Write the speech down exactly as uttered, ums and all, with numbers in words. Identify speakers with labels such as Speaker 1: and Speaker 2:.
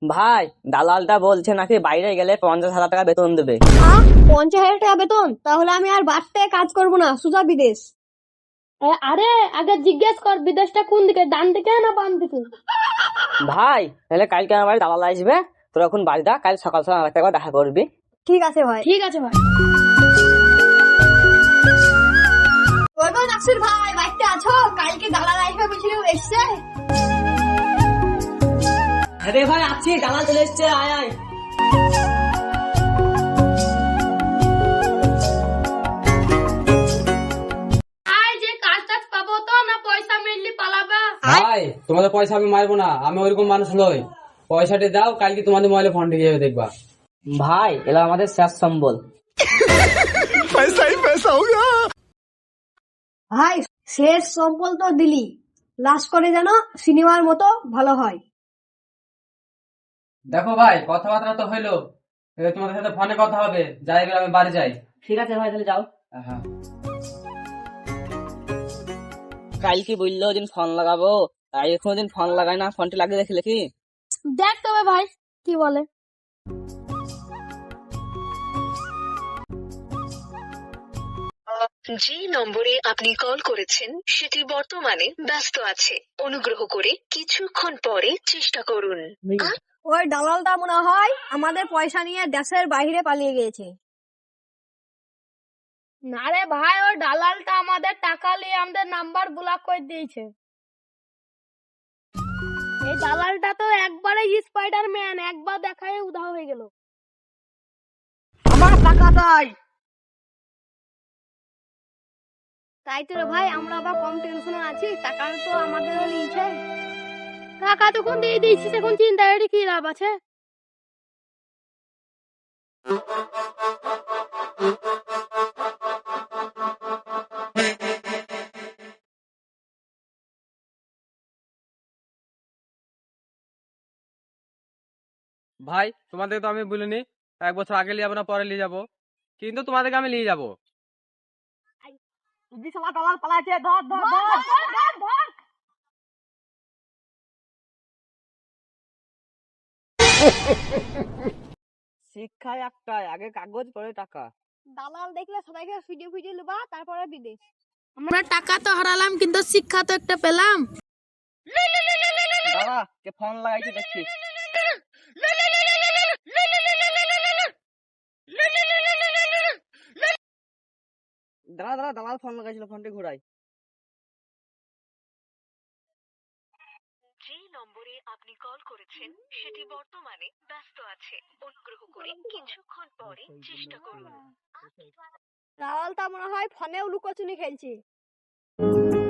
Speaker 1: ভাই, দালালটা বলছে নাকি বাইরে গেলে পঞ্চাশ হাজার টাকা বেতন দেবে।
Speaker 2: আহ পঞ্চাশ হাজার টাকা বেতন? তাহলে আমি আর বাড়তে কাজ করবো না, সোজা বিদেশ।
Speaker 3: এ, আরে আগে জিজ্ঞেস কর বিদেশটা কোন দিকে, ডান দিকে না বাম দিকে?
Speaker 1: ভাই, তাহলে কালকে আমার বাড়ি দালাল আসবে, তোর এখন বাড়ি দা, কাল সকাল সকাল আমার একবার দেখা করবি।
Speaker 2: ঠিক আছে ভাই।
Speaker 3: ঠিক আছে ভাই।
Speaker 2: ওই গো নাসির ভাই, বাড়িতে আছো? কালকে দালাল আসবে বলছিল, এসছে?
Speaker 1: আরে ভাই আছি, দালাল চলে এসছে, আয় আয়।
Speaker 3: আয় যে কাজ টাজ পাবো তো না পয়সা মিললি পালাবা?
Speaker 4: ভাই, তোমাদের পয়সা আমি মারবো না, আমি ওইরকম মানুষ নই। পয়সাটা দাও, কালকে তোমাদের মোবাইলে ফোন ঢুকে যাবে, দেখবা।
Speaker 1: ভাই, এলা আমাদের শেষ সম্বল।
Speaker 2: ভাই শেষ সম্বল তো দিলি, লাস্ট করে যেন সিনেমার মতো ভালো হয়।
Speaker 4: দেখো ভাই, কথাবার্তা তো হইলো, এবার তোমাদের সাথে ফোনে কথা হবে, যাই এবার আমি বাড়ি যাই।
Speaker 1: ঠিক আছে ভাই, তাহলে যাও।
Speaker 4: হ্যাঁ।
Speaker 1: কাল কি বললো দিন ফোন লাগাবো, তাই কোনোদিন ফোন লাগাই না, ফোনটি লাগিয়ে দেখি দেখি।
Speaker 3: দেখ তবে ভাই কি বলে।
Speaker 5: যে নম্বরে আপনি কল করেছেন সেটি বর্তমানে ব্যস্ত আছে, অনুগ্রহ করে কিছুক্ষণ পরে চেষ্টা করুন।
Speaker 2: ওই দালালটা মনে হয় আমাদের পয়সা নিয়ে দেশের বাইরে পালিয়ে গিয়েছে।
Speaker 3: না রে ভাই, ওই দালালটা আমাদের টাকা নিয়ে আমাদের নাম্বার ব্লক করে দিয়েছে। এই দালালটা তো একবারে স্পাইডারম্যান, একবার দেখায় উধাও হয়ে গেল।
Speaker 2: আমার টাকা চাই। তাই তো রে ভাই, আমরা আবার কম টেনশনে আছি, টাকা তো আমাদের নিয়েছে।
Speaker 3: টাকা তখন দিয়ে দিয়েছিস, এখন চিন্তা করে কি লাভ আছে?
Speaker 4: ভাই, তোমাদের তো আমি বলিনি এক বছর আগে নিয়ে যাবো না পরে নিয়ে যাবো, কিন্তু তোমাদেরকে আমি নিয়ে যাবো।
Speaker 2: দালাল পালাচ্ছে, ধর ধর ধর।
Speaker 1: শিক্ষায় একটাই, আগে কাগজ পরে টাকা।
Speaker 2: দালাল দেখলে সবাইকে ভিডিও ভিডিও নেবা, তারপরে বিদেশ।
Speaker 3: আমরা টাকা তো হারালাম, কিন্তু শিক্ষা তো একটা পেলাম।
Speaker 1: দাদা, কে ফোন লাগাইছে দেখছি। দাদা দাদা, দালাল ফোন লাগাইছিল, ফোনটি ঘুরাই।
Speaker 5: যে নম্বরে আপনি কল করেছেন সেটি বর্তমানে ব্যস্ত আছে, অনুগ্রহ করে কিছুক্ষণ পরে চেষ্টা করুন।
Speaker 2: দালালটা মনে হয় ফোনেও লুকোচুরি খেলছে।